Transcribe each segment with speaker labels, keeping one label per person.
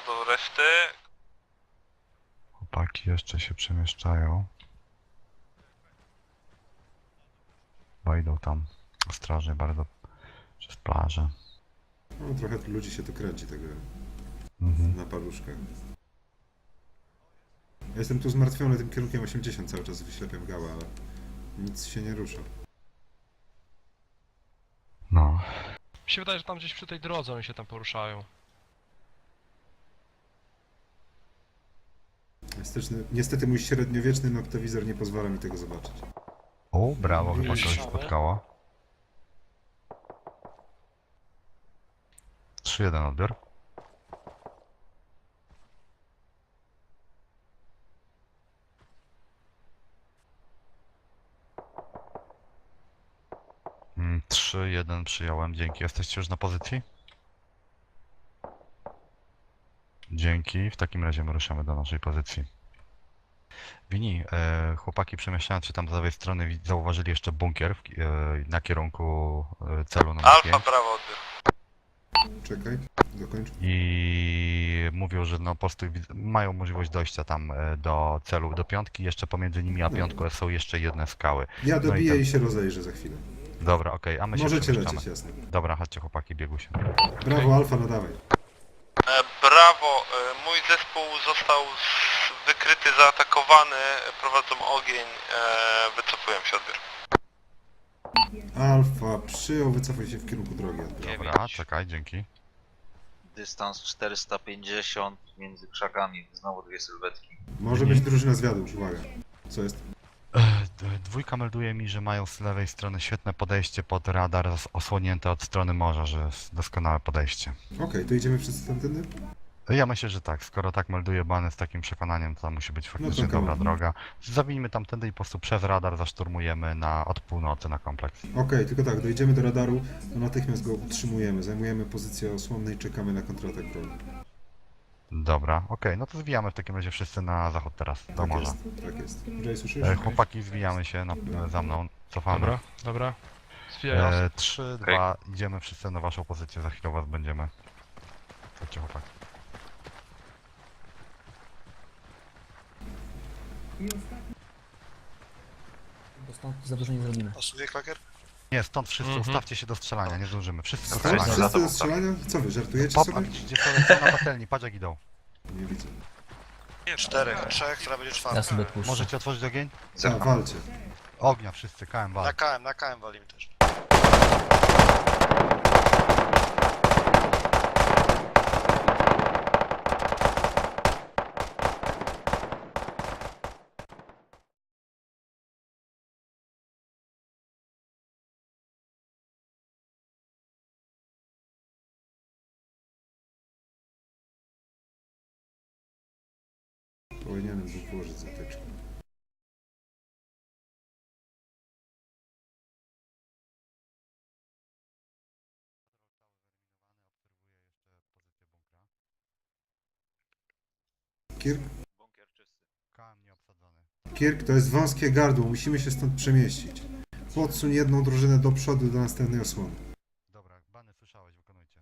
Speaker 1: do reszty.
Speaker 2: Chłopaki jeszcze się przemieszczają. Bo idą tam ostrożnie bardzo przez plażę.
Speaker 3: No, trochę tu ludzi się tu kręci tego na paluszkach. Ja jestem tu zmartwiony tym kierunkiem 80, cały czas wyślepiam gałę, ale nic się nie rusza.
Speaker 2: No.
Speaker 4: Mi się wydaje, że tam gdzieś przy tej drodze oni się tam poruszają.
Speaker 3: Niestety mój średniowieczny noktowizor nie pozwala mi tego zobaczyć.
Speaker 2: O, brawo, chyba kogoś spotkało. 3-1 odbiór. Mm, 3-1 przyjąłem, dzięki. Jesteście już na pozycji? Dzięki, w takim razie my ruszamy do naszej pozycji. Wini, chłopaki przemieszczając się tam z lewej strony zauważyli jeszcze bunkier na kierunku celu numer
Speaker 1: Alfa,
Speaker 2: 5
Speaker 1: prawo odbiór.
Speaker 3: Czekaj, dokończ.
Speaker 2: i mówią, że no po prostu mają możliwość dojścia tam do celu, do piątki, jeszcze pomiędzy nimi a piątką są jeszcze jedne skały.
Speaker 3: Ja
Speaker 2: No i
Speaker 3: dobiję
Speaker 2: ten-
Speaker 3: i się rozejrzę za chwilę.
Speaker 2: Dobra, okej, a my się
Speaker 3: Możecie
Speaker 2: przemieszczamy.
Speaker 3: lecieć, jasne.
Speaker 2: Dobra, chodźcie chłopaki, biegu się.
Speaker 3: Brawo, Alfa, nadawaj.
Speaker 1: Brawo, mój zespół został wykryty, zaatakowany, prowadzą ogień, wycofuję się odbiór.
Speaker 3: Alfa, przyjął, wycofuj się w kierunku drogi. Odbiór.
Speaker 2: Dobra, czekaj, dzięki.
Speaker 5: Dystans 450 między krzakami, znowu dwie sylwetki.
Speaker 3: Może być drużyna zwiadu, uwaga. Co jest?
Speaker 2: Dwójka melduje mi, że mają z lewej strony świetne podejście pod radar osłonięte od strony morza, że jest doskonałe podejście.
Speaker 3: Okej, to idziemy wszyscy tamtędy?
Speaker 2: Ja myślę, że tak, skoro tak melduje bany z takim przekonaniem, to musi być faktycznie
Speaker 3: No to
Speaker 2: dobra
Speaker 3: come on.
Speaker 2: droga. Zabijmy tamtędy i po prostu przez radar zaszturmujemy od północy na kompleks.
Speaker 3: Okej, tylko tak, dojdziemy do radaru, to natychmiast go utrzymujemy. Zajmujemy pozycję osłonną i czekamy na kontratak wroga.
Speaker 2: Dobra, okej, no to zwijamy w takim razie wszyscy na zachód teraz, do
Speaker 3: Tak
Speaker 2: morza.
Speaker 3: jest, tak jest. Jay, słyszysz?
Speaker 2: Chłopaki, zwijamy się za mną, cofamy.
Speaker 4: Dobra, dobra. Zwijaj.
Speaker 2: 3, 2, idziemy wszyscy na waszą pozycję, za chwilę was będziemy. Chodźcie chłopaki.
Speaker 6: Bo stąd za dużo nie zrobimy.
Speaker 1: Pasuje klakier?
Speaker 2: Nie, stąd wszyscy
Speaker 4: Mhm.
Speaker 2: ustawcie się do strzelania, nie zdążymy. Wszyscy do
Speaker 3: Tak,
Speaker 2: strzelania.
Speaker 3: wszyscy do strzelania? Co wy, żartujecie
Speaker 2: Pop,
Speaker 3: sobie?
Speaker 2: gdzie są na patelni, patrz jak idą.
Speaker 3: Nie widzę.
Speaker 1: Nie, 4, 3, która będzie
Speaker 6: Ja
Speaker 1: 4.
Speaker 6: sobie odpuszczę.
Speaker 2: Możecie otworzyć ogień?
Speaker 3: A, walcie.
Speaker 2: Ognia wszyscy, KM wal.
Speaker 1: Na KM walimy też.
Speaker 3: Powinienem był położyć zatyczkę. Kirk?
Speaker 5: Bunkier czysty.
Speaker 2: KM nieobsadzony.
Speaker 3: Kirk, to jest wąskie gardło, musimy się stąd przemieścić. Podsuń jedną drużynę do przodu do następnej osłony.
Speaker 2: Dobra, bany słyszałeś, wykonujcie.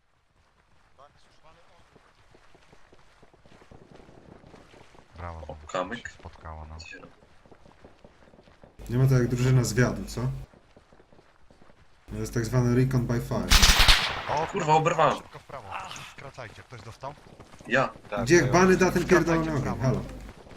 Speaker 2: Brawo, znowu
Speaker 7: kamyk.
Speaker 2: się spotkało, no.
Speaker 3: Nie ma to jak drużyna zwiadu, co? To jest tak zwany recon by fire.
Speaker 2: O
Speaker 7: Kurwa, oberwałem.
Speaker 2: Szybko w prawo, skracajcie, ktoś dostał?
Speaker 7: Ja.
Speaker 5: Tak,
Speaker 3: Gdzie
Speaker 5: to
Speaker 3: bany da ten
Speaker 2: Skracajcie
Speaker 3: pierdolony
Speaker 2: w
Speaker 3: ogień?
Speaker 2: prawo.
Speaker 3: Halo.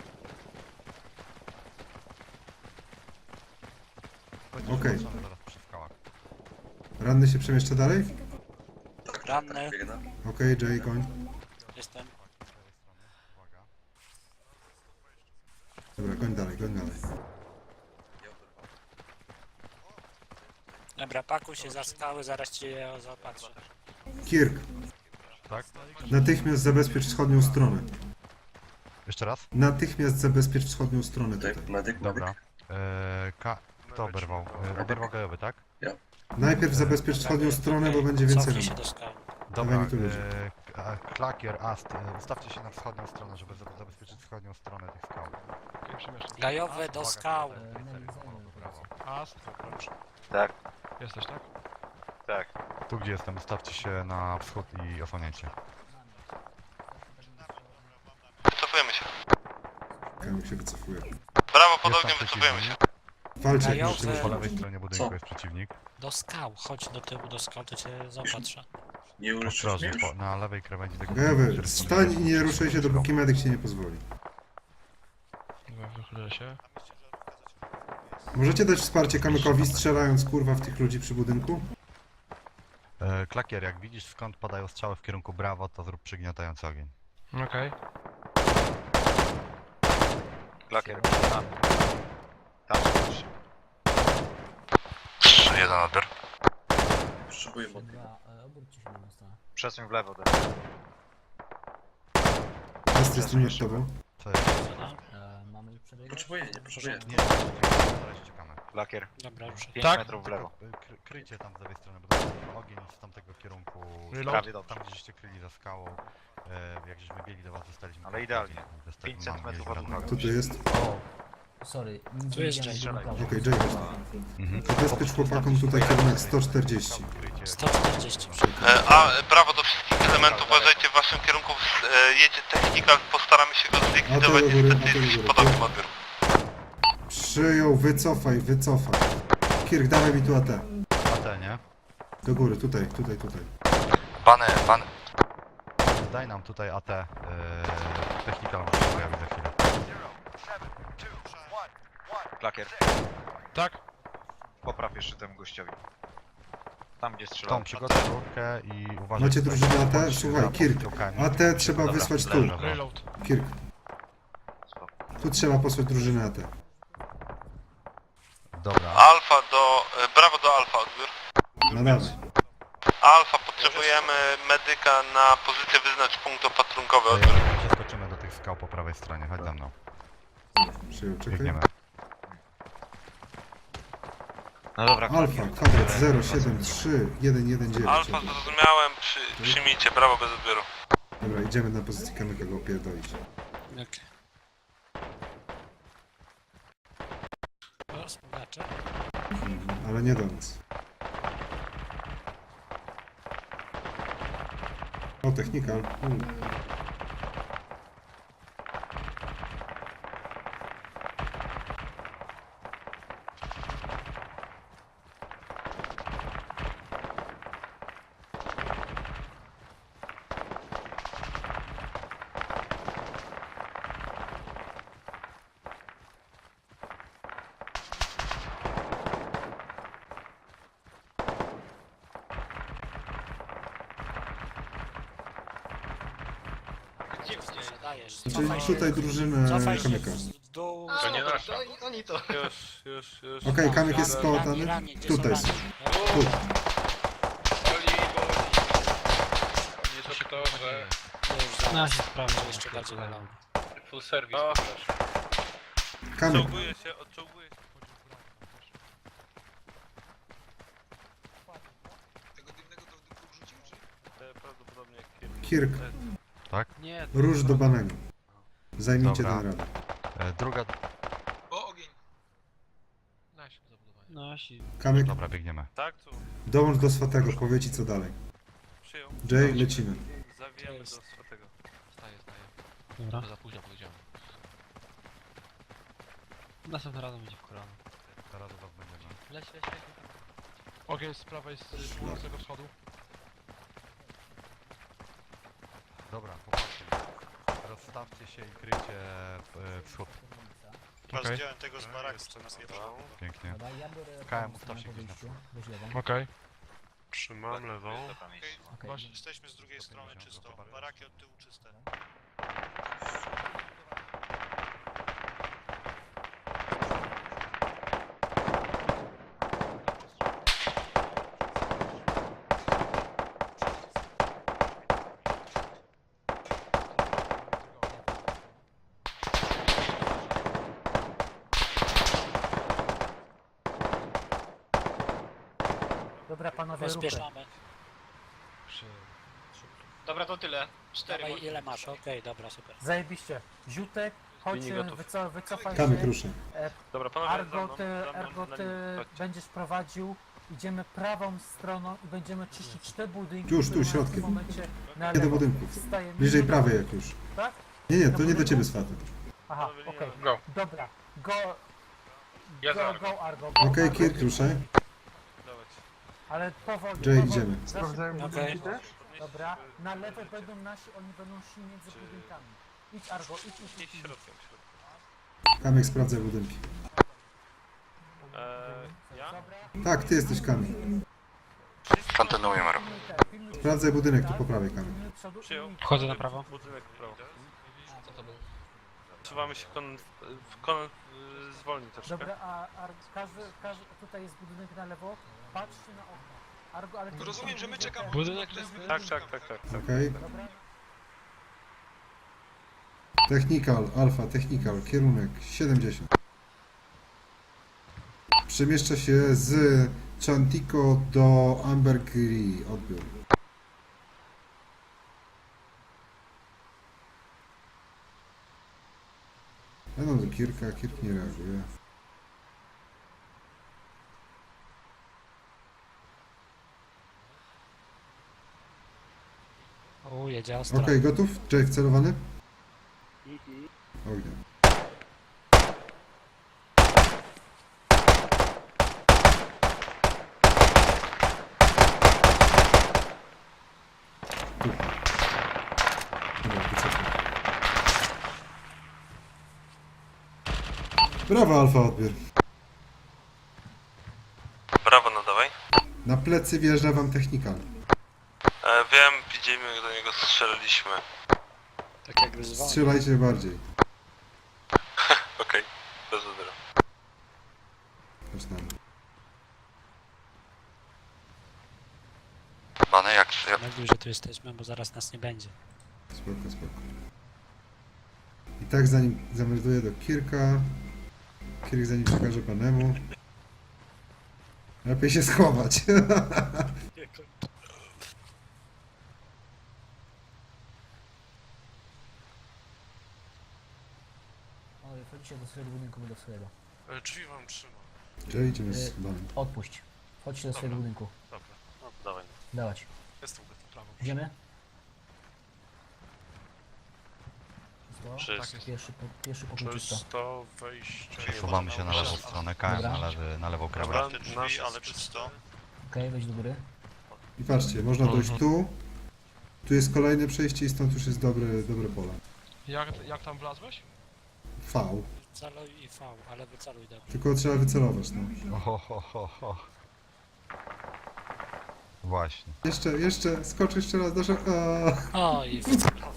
Speaker 2: Będzie
Speaker 3: Okej.
Speaker 2: zobaczony zaraz przy skałach.
Speaker 3: Ranny się przemieszcza dalej?
Speaker 7: Tak,
Speaker 8: Ranny.
Speaker 7: tak, biegnę.
Speaker 3: Okej, Jay, koń.
Speaker 8: Jestem.
Speaker 2: Z lewej strony, uwaga.
Speaker 3: Dobra, koń dalej, koń dalej.
Speaker 7: Ja oberwałem.
Speaker 8: Dobra, pakuj się za skały, zaraz cię zaopatrzę.
Speaker 3: Kirk,
Speaker 2: Tak?
Speaker 3: natychmiast zabezpiecz wschodnią stronę.
Speaker 2: Jeszcze raz?
Speaker 3: Natychmiast zabezpiecz wschodnią stronę tutaj.
Speaker 7: Medyk, medyk,
Speaker 2: Dobra.
Speaker 7: medyk.
Speaker 2: Kto oberwał? Oberwał gajowy, tak?
Speaker 3: Najpierw zabezpiecz wschodnią stronę, bo będzie więcej
Speaker 8: Cofnij się
Speaker 3: rannych.
Speaker 8: do skały.
Speaker 2: Dobra,
Speaker 3: Dawaj mi tu ludzi.
Speaker 2: Klakier, Ast, ustawcie się na wschodnią stronę, żeby zabezpieczyć wschodnią stronę tych skał.
Speaker 4: Okej, przemieszczam.
Speaker 8: Gajowe do skał.
Speaker 4: Ast, proszę.
Speaker 5: Tak,
Speaker 4: Jesteś, tak?
Speaker 5: tak.
Speaker 2: Tu gdzie jestem, ustawcie się na wschód i osłaniajcie.
Speaker 3: Kamyk się wycofuje.
Speaker 1: Brawo, pod
Speaker 2: Jest
Speaker 1: ogniem,
Speaker 2: tam
Speaker 1: wycofujemy się.
Speaker 2: przeciwnik.
Speaker 3: Walcie,
Speaker 8: Ja
Speaker 3: proszę.
Speaker 8: chcę-
Speaker 2: Po lewej stronie budynku
Speaker 7: Co?
Speaker 2: jest przeciwnik.
Speaker 8: Do skał, chodź do tyłu do skał, to cię zaopatrzę.
Speaker 7: Nie uleczysz
Speaker 2: Ostrożnie,
Speaker 7: mnie?
Speaker 2: na lewej krawędzi tego
Speaker 3: Gewy,
Speaker 2: który
Speaker 3: stań i nie ruszaj się, dopóki medyk ci nie pozwoli.
Speaker 4: Dobra, wychylę się.
Speaker 3: Możecie dać wsparcie Kamykowi, strzelając kurwa w tych ludzi przy budynku?
Speaker 2: Klakier, jak widzisz skąd padają strzały w kierunku Brawo, to zrób przygniatający ogień.
Speaker 4: Okej.
Speaker 5: Klakier, tam. Tam się.
Speaker 1: 3-1 odbiór.
Speaker 7: Potrzebuję mocy.
Speaker 6: Dobra, obróćcie się na tą stronę.
Speaker 5: Przesuń w lewo.
Speaker 3: Jest z tym nad tobą.
Speaker 2: Co jest?
Speaker 6: Mamy już przebiegać?
Speaker 7: Potrzebuję, nie potrzebuję.
Speaker 2: Nie, na razie czekamy.
Speaker 5: Klakier,
Speaker 8: Dobra, ruszę.
Speaker 5: 5
Speaker 4: Tak.
Speaker 5: metrów w lewo.
Speaker 2: Kryjcie tam z lewej strony, bo tam ogień z tamtego kierunku.
Speaker 4: Reload.
Speaker 5: Prawie dobrze.
Speaker 2: Tam gdzieście kryli za skałą. Jak żeśmy biegli do was, zostaliśmy.
Speaker 5: Ale idealnie.
Speaker 2: Dostali-
Speaker 5: 5
Speaker 2: mam
Speaker 5: centymetrów
Speaker 2: gdzieś
Speaker 5: od
Speaker 2: brak.
Speaker 3: Kto tu jest?
Speaker 6: Sorry,
Speaker 8: Tu jest
Speaker 6: nie
Speaker 8: Jay.
Speaker 6: widziałem prawo.
Speaker 3: Okej, Jay, chodź.
Speaker 2: Mhm.
Speaker 3: Zabezpiecz chłopakom tutaj kierunek 140.
Speaker 8: 140.
Speaker 1: Brawo do wszystkich elementów, uważajcie w waszym kierunku, jedzie technika, postaramy się go zlikwidować,
Speaker 3: A to do góry,
Speaker 1: niestety
Speaker 3: a to do
Speaker 1: jest
Speaker 3: góry.
Speaker 1: pod ogniem odbioru.
Speaker 3: Przyjął, wycofaj, wycofaj. Kirk, dawaj mi tu AT.
Speaker 2: AT, nie?
Speaker 3: Do góry, tutaj.
Speaker 1: Bany.
Speaker 2: Daj nam tutaj AT. Technika może się pojawi za chwilę.
Speaker 5: Klakier,
Speaker 4: Tak?
Speaker 5: popraw jeszcze temu gościowi. Tam gdzie
Speaker 2: Tą
Speaker 5: strzelał.
Speaker 2: przygotuj rurkę i uważaj.
Speaker 3: Macie
Speaker 2: tutaj,
Speaker 3: drużynę AT?
Speaker 2: bądź
Speaker 3: Słuchaj,
Speaker 2: za
Speaker 3: Kirk.
Speaker 2: pozycją
Speaker 3: AT trzeba
Speaker 5: Dobra,
Speaker 3: wysłać tu.
Speaker 2: leżę.
Speaker 4: Reload.
Speaker 3: Kirk. Tu trzeba posłać drużynę AT.
Speaker 2: Dobra.
Speaker 1: Brawo do Alfa odbiór.
Speaker 3: No dawaj.
Speaker 1: Alfa, potrzebujemy medyka na pozycję wyznacz punkt opatrunkowy odbiór.
Speaker 2: Przeskoczymy do tych skał po prawej stronie, chodź za mną.
Speaker 3: Przyjął, czekaj.
Speaker 2: Biegniemy.
Speaker 5: No dobra,
Speaker 3: Alfa, kwadrat 073119.
Speaker 1: Alfa, zrozumiałem, przyjmijcie, brawo bez odbioru.
Speaker 3: Dobra, idziemy na pozycję Kamyka go opierdolić.
Speaker 8: Okej. O, spogacze.
Speaker 3: Ale nie do nas. O, technika.
Speaker 8: Dajesz.
Speaker 3: Znaczy tutaj drużynę
Speaker 8: Cofaj się
Speaker 3: Kamyka.
Speaker 8: w dół.
Speaker 1: To nie nasza.
Speaker 7: Już.
Speaker 3: Okej, Kamyk jest społatany. Tutaj są. Tu.
Speaker 1: Nie to to, że
Speaker 8: No się sprawdzę jeszcze bardziej na lampę.
Speaker 1: full service.
Speaker 3: Kamyk,
Speaker 1: Odczołguje się.
Speaker 7: Tego dymnego to w dupku wrzucił, czy?
Speaker 1: Prawdopodobnie
Speaker 3: Kirk,
Speaker 2: Tak?
Speaker 3: róż do banego. Zajmijcie
Speaker 2: Dobra.
Speaker 3: ten radę.
Speaker 2: Druga.
Speaker 7: O, ogień!
Speaker 4: Nasi zabudowanie.
Speaker 8: Nasi.
Speaker 3: Kamyk,
Speaker 2: Dobra, biegniemy.
Speaker 1: Tak, tu
Speaker 3: dołącz do swatego, powie ci co dalej.
Speaker 1: przyjął.
Speaker 3: Jay, lecimy.
Speaker 1: Zawijamy do swatego.
Speaker 4: Staję.
Speaker 8: Dobra.
Speaker 4: To za późno powiedziałem. Następnym razem będzie w kolano.
Speaker 2: Teraz do was będziemy.
Speaker 4: Leć. Ogień z prawej, z północnego wschodu.
Speaker 2: Dobra, chłopaki. Rozstawcie się i kryjcie wschód.
Speaker 4: Okej.
Speaker 1: tego z baraku, co nas nie
Speaker 2: Pięknie.
Speaker 6: Dobra, ja biorę
Speaker 2: KM,
Speaker 6: prawą
Speaker 2: ustaw się
Speaker 6: stronę
Speaker 2: gdzieś na
Speaker 6: podejście. Weź lewą.
Speaker 4: Okej.
Speaker 1: Trzymam lewą.
Speaker 6: Okej.
Speaker 4: Właśnie.
Speaker 1: Jesteśmy z drugiej strony czysto. Baraki od tyłu czyste.
Speaker 6: Dobra, panowie, ruchy.
Speaker 8: Rozpieszamy.
Speaker 9: Dobra, to tyle. 4
Speaker 8: Dawaj, ile masz? Okej, dobra, super.
Speaker 6: Zajebiście. Ziutek, chodź,
Speaker 9: Linie gotów.
Speaker 6: wycofaj
Speaker 3: Kamyk
Speaker 6: się.
Speaker 3: rusza.
Speaker 1: Dobra, panowie,
Speaker 6: Argo, ty będziesz prowadził. Idziemy prawą stroną i będziemy czyścić te budynki.
Speaker 3: Już, tu,
Speaker 6: które mają w
Speaker 3: środkiem.
Speaker 6: tym momencie na
Speaker 3: Nie do
Speaker 6: lewo.
Speaker 3: budynków.
Speaker 6: Wstajemy.
Speaker 3: Bliżej prawej jak już.
Speaker 6: Tak?
Speaker 3: Nie, to nie do ciebie swaty.
Speaker 6: Aha, okej.
Speaker 4: Go.
Speaker 6: Dobra, go...
Speaker 4: Ja za
Speaker 6: Go, go, Argo.
Speaker 3: Okej, Kirk, ruszaj.
Speaker 6: Ale powoli,
Speaker 3: Jay,
Speaker 6: powoli.
Speaker 3: idziemy.
Speaker 6: Za szybko.
Speaker 8: Okej.
Speaker 6: Dobra, na lewo będą nasi, oni będą szli między budynkami. Idź Argo, idź.
Speaker 3: Kamek, sprawdzaj budynki.
Speaker 9: Ja?
Speaker 6: Dobra.
Speaker 3: Tak, ty jesteś Kamil.
Speaker 2: Kontynuujemy ruch.
Speaker 6: Pilnuj te,
Speaker 3: Sprawdzaj budynek tu po prawej, Kamil.
Speaker 6: pilnuj przodu i
Speaker 9: Przyjął.
Speaker 8: Wchodzę na prawo.
Speaker 1: Budynek w prawo.
Speaker 4: Co to było?
Speaker 1: Trzymamy się zwolnić troszkę.
Speaker 6: Dobra, a każdy, tutaj jest budynek na lewo, patrzcie na okno. Argo, ale...
Speaker 7: Rozumiem, że my czekamy.
Speaker 4: Budynek
Speaker 7: To jest
Speaker 1: Tak.
Speaker 3: Okej.
Speaker 6: Dobra,
Speaker 3: Technical, alfa, technical, kierunek 70. Przemieszcza się z Chantico do Ambergris. Odbiór. Będą do Kirka, Kirk nie reaguje.
Speaker 8: Jedzie ostro.
Speaker 3: Okej, gotów? Jay wcelowany? Ognia. Tu. Dobra, wycofaj. Brawo, Alfa, odbiór.
Speaker 1: Brawo, nadawaj.
Speaker 3: Na plecy wjeżdża wam technikal.
Speaker 1: Wiem, widzimy, jak do niego strzeliliśmy.
Speaker 8: Tak jakby zwolnił.
Speaker 3: Strzelajcie bardziej.
Speaker 1: Okej, bez odbioru.
Speaker 3: Zaczynamy.
Speaker 2: Bany, jak
Speaker 8: Mówił, że tu jesteśmy, bo zaraz nas nie będzie.
Speaker 3: Spoko, spoko. I tak zanim zamelduje do Kirka, Kirk zanim przekaże panemu, lepiej się schować.
Speaker 6: Oj, wchodźcie do swojego budynku, do swojego.
Speaker 1: Drzwi wam trzymam.
Speaker 3: Czyli idziemy z banem.
Speaker 6: Odpuść. Wchodźcie do swojego budynku.
Speaker 1: Dobra, no dawaj.
Speaker 6: Dawać.
Speaker 1: Jestem gotów. Prawo.
Speaker 6: Idziemy?
Speaker 1: Czysto.
Speaker 6: Pierwszy pokój czysto.
Speaker 1: Czysto, wejście.
Speaker 2: Przesuwamy się na lewą stronę, KM na lewą
Speaker 1: Dobra,
Speaker 2: krawędź.
Speaker 1: drzwi, ale czysto.
Speaker 6: Okej, wejdź do góry.
Speaker 3: I patrzcie, można dojść tu. Tu jest kolejne przejście i stąd już jest dobre pole.
Speaker 4: Jak tam wlazłeś?
Speaker 3: V.
Speaker 8: Celuj i V, ale wyceluj dobrze.
Speaker 3: Tylko trzeba wycelować, no.
Speaker 2: Ho. Właśnie.
Speaker 3: Jeszcze, skocz jeszcze raz, dasz...
Speaker 8: O, i wycelował.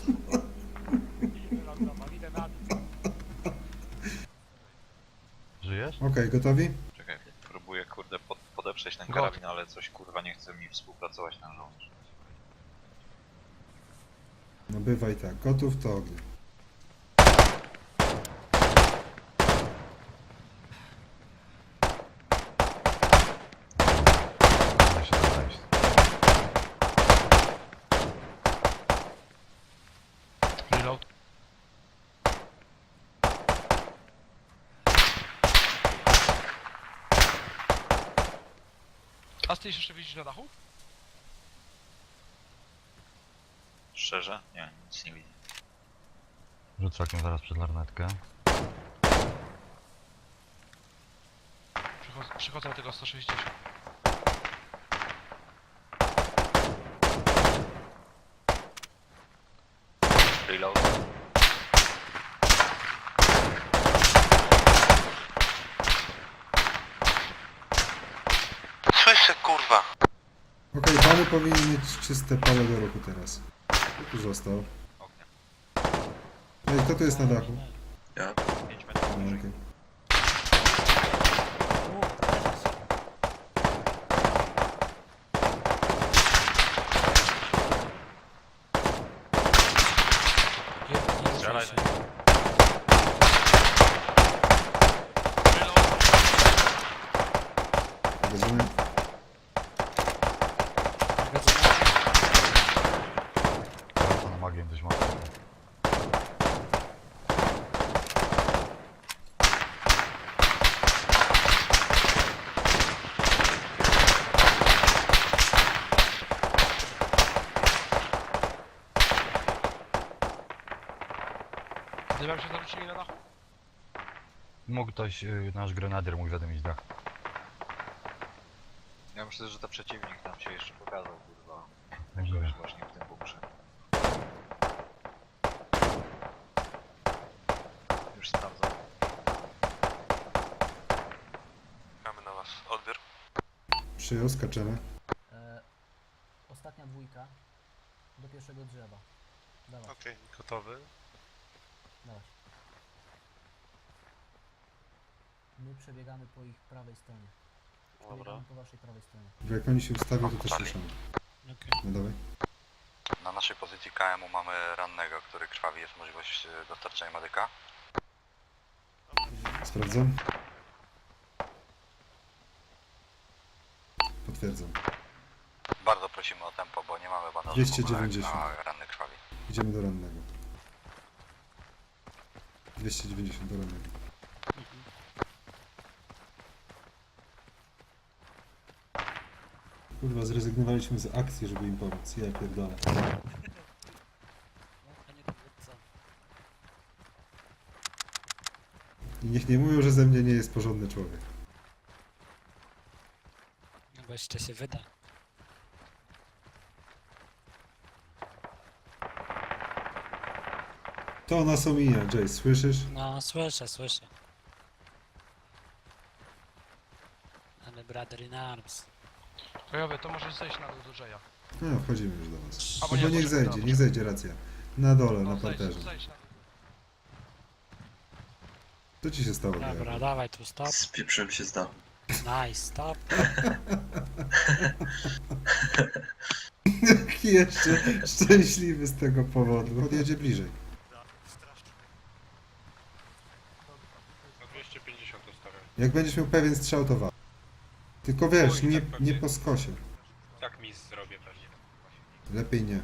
Speaker 2: Żyjesz?
Speaker 3: Okej, gotowi?
Speaker 5: Czekaj, próbuję kurde podeprzeć ten
Speaker 4: Got.
Speaker 5: karabin, ale coś kurwa nie chce mi współpracować ten żołnierz.
Speaker 3: No bywaj tak, gotów to ognia.
Speaker 2: Da się znaleźć.
Speaker 4: Reload. A ty jeszcze widzisz na dachu?
Speaker 5: Szczerze? Nie, nic nie widzę.
Speaker 2: Rzucę oknem zaraz przed lornetkę.
Speaker 4: Przychodzę do tego 160.
Speaker 5: Reload.
Speaker 1: Słyszę, kurwa.
Speaker 3: Okej, bany powinien mieć czyste pole do ruchu teraz. Tu został.
Speaker 5: Ognia.
Speaker 3: No i kto tu jest na dachu?
Speaker 5: 5 metrów
Speaker 3: No,
Speaker 5: wyżej.
Speaker 3: okej.
Speaker 8: Nie
Speaker 5: Strzelaj.
Speaker 8: ruszaj się.
Speaker 3: Rozumiem.
Speaker 2: To na magię dość mocno.
Speaker 4: Zjebałem się zaruczyli na dachu?
Speaker 2: Mógł ktoś, nasz grenadier mógł zadymić dach.
Speaker 5: Ja myślę, że to przeciwnik nam się jeszcze pokazał, kurwa.
Speaker 2: Możliwe.
Speaker 5: Już właśnie w tym bunkrze. Już sprawdzam.
Speaker 1: Czekamy na was. Odbiór.
Speaker 3: Przyjął, skaczemy.
Speaker 6: Ostatnia dwójka do pierwszego drzewa. Dawaj,
Speaker 1: Okej, gotowy.
Speaker 6: dawaj. My przebiegamy po ich prawej stronie. Przebiegamy po waszej prawej stronie.
Speaker 3: Jak oni się ustawią, to też ruszamy.
Speaker 8: Okej.
Speaker 3: No dawaj.
Speaker 2: Na naszej pozycji KM-u mamy rannego, który krwawi, jest możliwość dostarczenia medyka.
Speaker 3: Sprawdzam. Potwierdzam.
Speaker 2: Bardzo prosimy o tempo, bo nie mamy bandażu.
Speaker 3: 290.
Speaker 2: A ranny krwawi.
Speaker 3: Idziemy do rannego. 290 do rannego. Kurwa, zrezygnowaliśmy z akcji, żeby im pomóc. Ja pierdolę.
Speaker 8: Panie dowódco.
Speaker 3: I niech nie mówią, że ze mnie nie jest porządny człowiek.
Speaker 8: No bo jeszcze się wyda.
Speaker 3: To nas omija, Jay, słyszysz?
Speaker 8: No, słyszę, słyszę. Ale brother in arms.
Speaker 4: To ja to możesz zejść na dół do Jaya.
Speaker 3: No, wchodzimy już do was.
Speaker 4: Albo
Speaker 3: Albo
Speaker 4: nie,
Speaker 3: niech
Speaker 4: poczekaj,
Speaker 3: zejdzie,
Speaker 4: dobra.
Speaker 3: niech zejdzie, racja. Na dole,
Speaker 4: No,
Speaker 3: na parterze.
Speaker 4: zejdź na...
Speaker 3: Co ci się stało?
Speaker 8: Dobra,
Speaker 3: Diablo?
Speaker 8: dawaj tu stop.
Speaker 7: Spieprzyłem się z dachu.
Speaker 8: Nice, stop.
Speaker 3: Jaki jeszcze szczęśliwy z tego powodu. Podjedzie bliżej.
Speaker 1: Na 250 ustawiam.
Speaker 3: Jak będziesz miał pewien strzał, to wal. Tylko wiesz, nie po skosie.
Speaker 1: Tak mi zrobię pewnie.
Speaker 3: Lepiej nie.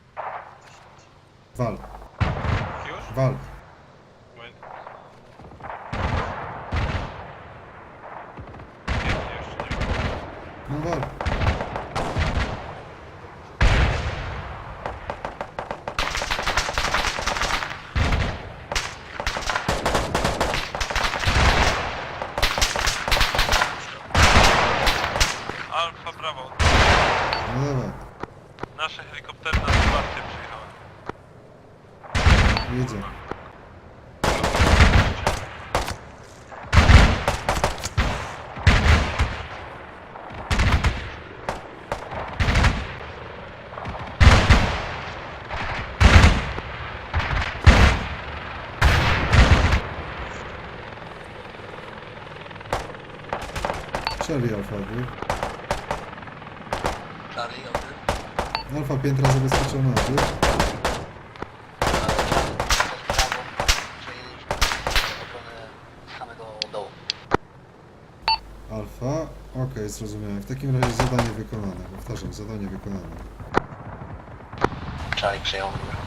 Speaker 3: Wal,
Speaker 1: Już?
Speaker 3: wal.
Speaker 1: Moment.
Speaker 3: No wal.
Speaker 1: Alfa, brawo.
Speaker 3: No dawaj.
Speaker 1: Nasze helikoptery na wsparcie przyjechały.
Speaker 3: Jedzie. Charlie Alfa, był.
Speaker 7: Charlie, odbył.
Speaker 3: Alfa piętra zabezpieczona, był.
Speaker 7: Samego dołu.
Speaker 3: Alfa, okej, zrozumiałem. W takim razie zadanie wykonane. Powtarzam, zadanie wykonane.
Speaker 7: Charlie przejął.